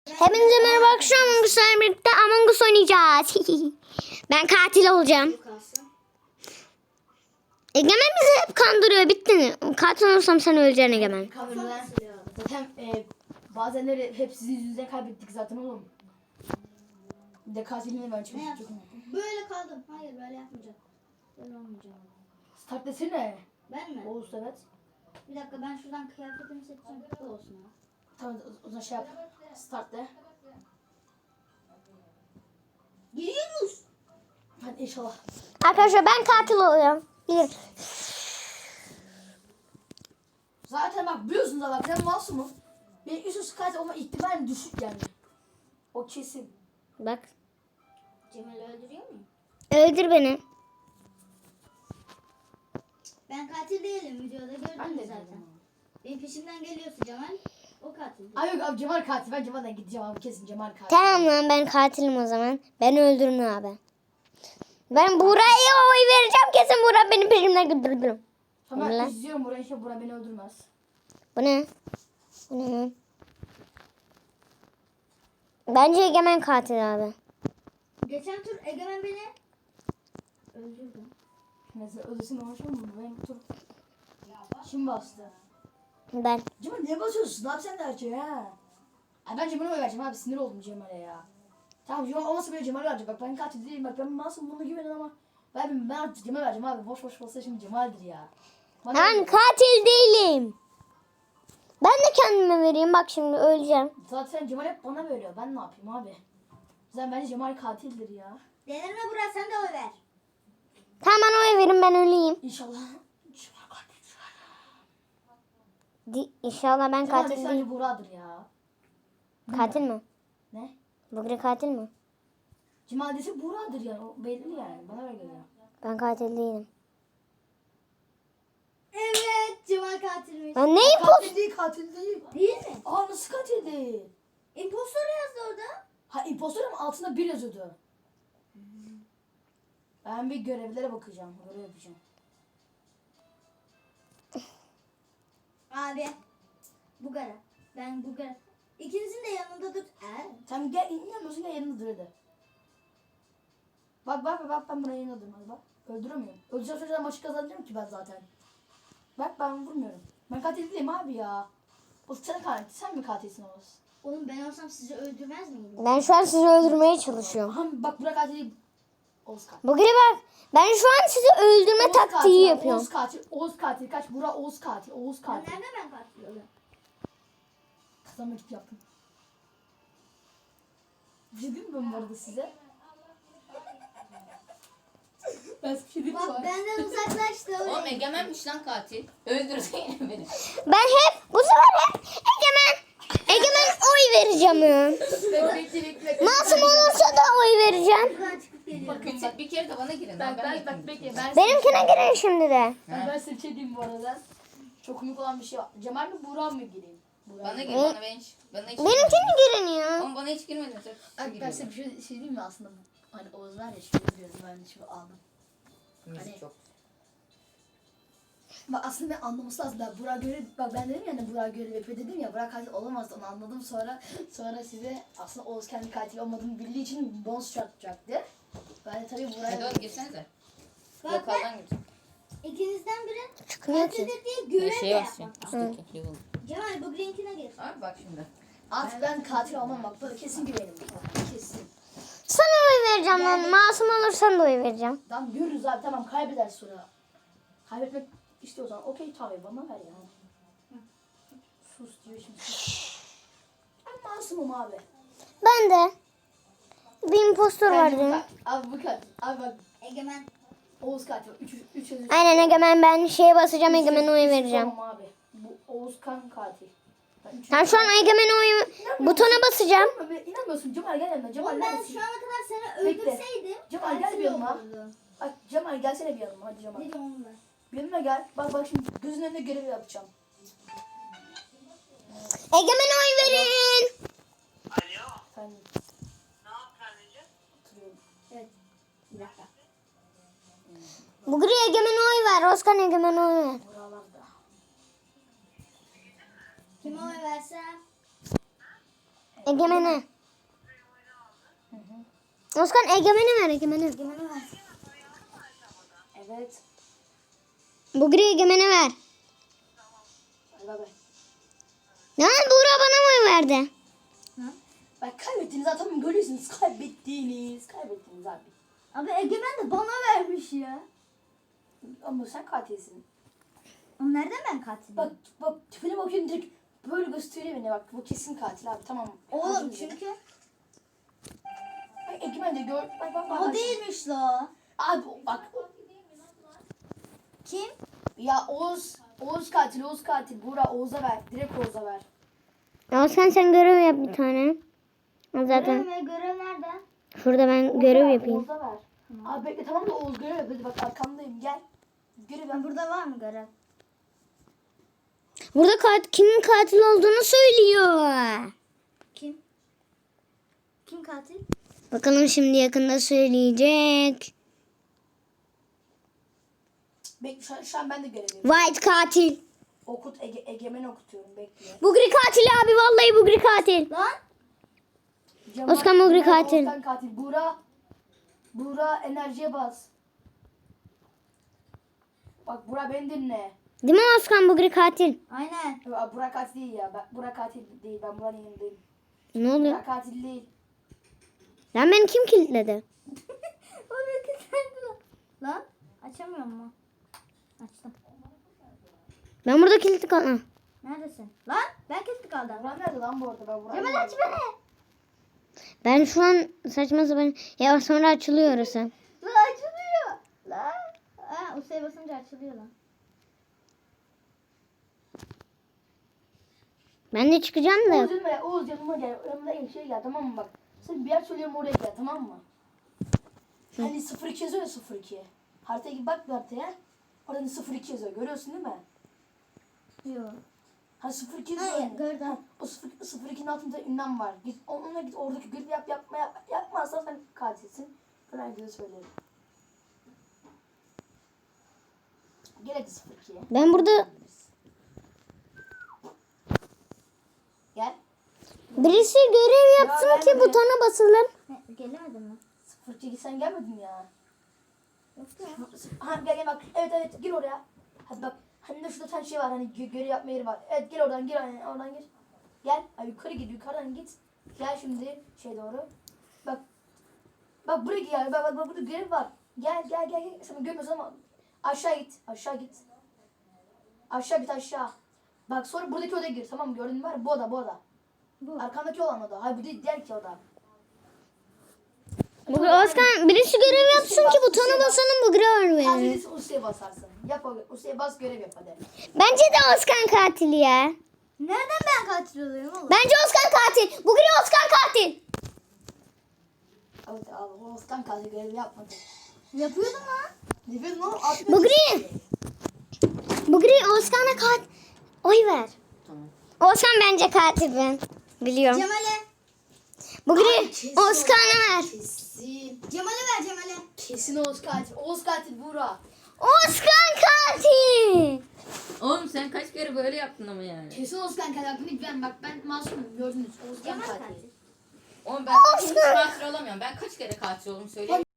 Hepinize merhaba arkadaşlar. Among Us'la birlikte Among Us oynayacağız. Ben katil olacağım. Egemen bizi hep kandırıyor. Bitti mi? Katil olursam sen öleceksin Egemen. Kameralar zaten bazenleri hep sizin yüzünüzden kaybettik zaten oğlum. Bir de katilini ben çok çok Böyle kaldım. Hayır böyle yapmayacağım. Böyle olmayacağım. Start desene. Ben mi? Oğuz evet. Bir dakika ben şuradan kıyafetimi seçeceğim. Bu olsun ya. Tamam o zaman şey yap. Start de. Giriyoruz. Hadi inşallah. Arkadaşlar ben katil oluyorum. Bir. Zaten bak biliyorsunuz da bak ben masumum. Benim üst katil olma ihtimali düşük yani. O kesin. Bak. Cemal'i öldürüyor muyum? Öldür beni. Ben katil değilim. Videoda Ben gördünüz de zaten. zaten. Benim peşimden geliyorsa Cemal. O katil. Ay yok abi Cemal katil. Ben Cemal'den gideceğim abi kesin Cemal katil. Tamam lan ben katilim o zaman. Ben öldürün abi. Ben Buraya oy vereceğim. Kesin Burak benim peşimden güldürdüm. Tamam Ulan. ben izliyorum burayı. İnşallah Burak beni öldürmez. Bu ne? Bu ne? Bence Egemen katil abi. Geçen tur Egemen beni öldürdü. Neyse öldürsün ama şu mu? Benim tur. Kim bastı? Ben. Cemal niye basıyorsun? Ne yapacaksın derece ha? Ay ben Cemal'e vereceğim abi sinir oldum Cemal'e ya. Tamam Cemal olmasa bile Cemal'e vereceğim. Bak ben katil değilim bak ben masum bunu güvenin ama ben artık Cemal'e vereceğim abi. Boş boş olsa şimdi Cemal'dir ya. Bana Ben öyle. katil değilim. Ben de kendime vereyim. Bak şimdi öleceğim. Zaten Cemal hep bana veriyor. Ben ne yapayım abi? Zaten bence Cemal katildir ya. Delirme Burak sen de oy ver. Tamam bana oy verin ben öleyim. İnşallah. Cemal katil. İnşallah ben Cemal katil sence değilim. Burak'dır ya. Katil mi? Ne? Bugre katil mi? Cemal dese Burak'dır yani. O belli yani. Bana öyle geliyor. Ben katil değilim. Evet Cemal katilmiş. Ben neyim post? Katil değil katil değil. Değil mi? Aa nasıl katil değil? İmpostor yazdı orada. Ha impostor ama altında bir yazıyordu. Ben bir görevlere bakacağım. Görev yapacağım. Abi. Bugara. Ben Bugara. İkinizin de yanında dur. Sen gel inanmıyorsun gel yanında dur hadi. Bak ben buraya yanında durmaz bak. Öldüremiyorum. Öldüreceğim çocuğa maçı kazanacağım ki ben zaten. Bak ben vurmuyorum. Ben katil değilim abi ya. O sen katil. Sen mi katilsin Oğuz? Oğlum ben olsam sizi öldürmez miydim? Ben şu an sizi öldürmeye çalışıyorum. Aha bak Burak katil değil. Oğuz katil. Bugre bak. Ben şu an sizi öldürme Oğuz taktiği katil, yapıyorum. Oğuz katil. Oğuz katil. Kaç Burak Oğuz katil. Oğuz Ben katil. nerede ben katil oluyorum? Kazanmak için yaptım. Bir şey diyeyim mi ben bu arada size? Ben size bir şey diyeyim mi? Bak benden uzaklaştı Oğlum öyle. Egemen'miş lan katil. Öldürdü yine beni. Ben hep bu sefer hep Egemen oy vereceğim ya. Bekle. Masum olursa da oy vereceğim. Buradan çıkıp geliyorum. Bir kere de bana girin. Bak bekle. Benimkine girin şimdi de. Ben size bir şey diyeyim bu arada. Çok komik olan bir şey var. Cemal mi Burak mı gireyim? Burak. Bana gir bana ben hiç. Bana hiç Benimkine girin ya. Oğlum bana hiç girmedin. Ay, ben size bir şey diyeyim mi aslında? Hani Oğuz var ya şöyle diyorum ben de şimdi aldım. Müzik çok. Bak aslında ben anlaması lazım. Burak görev, bak ben dedim ya hani Burak görev yapıyor dedim ya. Burak katil olamazdı onu anladım sonra size aslında Oğuz kendi katil olmadığını bildiği için bonus çarpacaktı. Ben de tabii Hadi Burak'a... oğlum girsenize. Bak Lokaldan gir. İkinizden biri Çıkmıyor ki. katildir diye görev de Şeye basacağım. yapmak. Üstteki level. Cemal bu linkine gir. Abi bak şimdi. Artık ben katil olmam bak böyle kesin güvenim. Kesin. Sana oy vereceğim lan. Masum olursan da oy vereceğim. Tamam görürüz abi tamam kaybeder sonra. Kaybetmek istiyorsan okey tabii bana ver ya. Sus diyor şimdi. Ben masumum abi. Ben de. Bir impostor var Bence bu değil mi? Abi bu katil. Abi bak Egemen. Oğuz katil. Üç yazıyor. Aynen Egemen ben şeye basacağım Egemen'e oy vereceğim. Tamam abi. Bu Oğuz kan katil. Ben üç Ben şu an Egemen'e oy butona basacağım. İnanmıyorsun Cemal gel yanıma. Cemal Oğlum ben neredesin? şu ana kadar seni Bekle. öldürseydim. Cemal, gel katil bir yanıma. olurdu. Bak Cemal gelsene bir yanıma hadi Cemal. Ne diyorsun oğlum ben? Bir yanıma gel. Bak şimdi gözünün önünde görev yapacağım. Egemen'e oy verin. Sen oturuyorum. Evet. Bir dakika. Bugre Egemen'e oy ver. Oskan Egemen'e oy ver. Buralarda. Kime oy versem? Egemen'e. Oskan Egemen'e ver Egemen'e. Egemen'e ver. Evet. Bugri Egemen'e ver. Hadi bay bay. Ya Buğra bana mı verdi? Bak kaybettiniz zaten görüyorsunuz. Kaybettiniz abi. Abi Egemen de bana vermiş ya. Ama sen katilsin. Ama nereden ben katilim? Bak tipine bakıyorum direkt böyle gösteriyor beni bak. Bu kesin katil abi tamam. Oğlum Anladım. çünkü Bak Egemen de gör. Bak. o değilmiş la. Abi bak. Kim? Ya Oğuz katil. Buğra Oğuz'a ver. Direkt Oğuz'a ver. Oskan sen görev yap bir tane. Zaten Görev nerede? şurada ben görev yapayım. Oğuz'a ver. Abi bekle tamam da Oğuz görev yap. Hadi bak arkandayım gel. Görev yap. Burada var mı görev? Burada kimin katil olduğunu söylüyor. Kim? Kim katil? Bakalım şimdi yakında söyleyecek. Bekle şu an ben de görev yapıyorum. White katil. Okut Egemen'i okutuyorum bekle. Bugri katil abi vallahi Bugri katil. Lan Özkan Mugri katil. Özkan katil. Buğra enerjiye bas. Bak Buğra beni dinle. Değil mi Oskan Bugri katil? aynen. Buğra katil değil ya. Buğra katil değil. Ben Buğra'nın yanındayım. Ne oluyor? Buğra katil değil. Lan beni kim kilitledi? Oraya kilitlendi lan. Lan açamıyorum mu? Açtım. Ben burada kilitli kaldım. Neredesin? Lan ben kilitli kaldım. Buğra nerede lan bu arada? Ben Buğra'yı Cemal aç beni. Ben şu an saçma sapan... Ya sonra açılıyor orası. Lan açılıyor. Lan. Ha, Usa'ya basınca açılıyor lan. Ben de çıkacağım da. Oğuz yanıma gel. Yanıma gel tamam mı bak. Sen bir yer söylüyorum oraya gel tamam mı? Hani 02 yazıyor ya 02. Haritaya git bak bir haritaya. Orada 02 yazıyor. Görüyorsun değil mi? Yok. Ha 02 Ha, yazıyor. gördüm. Ha, o 02'nin altında ünlem var. Git onunla git oradaki görevi yapmazsan sen katilsin. Ben herkese söylerim. Gel hadi 02'ye. Ben burada... Gel. Birisi görev yapsın Ya, ki ben de- butona basılır. Gelemedin mi? 02 sen gelmedin ya. Yok ya. Ha gel bak. Evet gir oraya. Hadi bak. Hani de şurada tane şey var hani görev yapma yeri var. Evet gel oradan gir oradan gir. Gel. Ay, yukarı git yukarıdan git. Gel şimdi şey doğru. Bak. Bak buraya gel. Bak burada görev var. Gel. Sen görmüyorsun ama aşağı git. Aşağı git aşağı. Bak sonra buradaki odaya gir tamam mı? Gördün mü var? Bu oda. Bu. Arkandaki olan oda. Hayır bu değil diğer ki oda. Bugri Oskan birisi görev yapsın ki butona basalım Bugri var Az verir. birisi Usya'ya basarsın. Yap Usya'ya bas görev yap hadi. Bence de Oskan katil ya. Nereden ben katil oluyorum oğlum? Bence Oskan katil. Bugri Oskan katil. Evet abi o Oskan kaldı görevi yapmadı. Yapıyordum lan. Ne bileyim oğlum? Abi, Bugri. Bugri Oskan'a katil. Oy ver. Tamam. Oskan bence katil ben. Biliyorum. Cemal'e. Bugri kesin Oskan'a ver. Kesin. Cemal'e ver Cemal'e. Kesin Oğuz katil. Oğuz katil Buğra. Oskan katil. Oğlum sen kaç kere böyle yaptın ama yani. Kesin Oğuz katil. Hakkını güven. Bak ben masumum gördünüz. Oğuz Cemal katil. katil. Oğlum ben hiç katil olamıyorum. Ben kaç kere katil oldum söyleyeyim.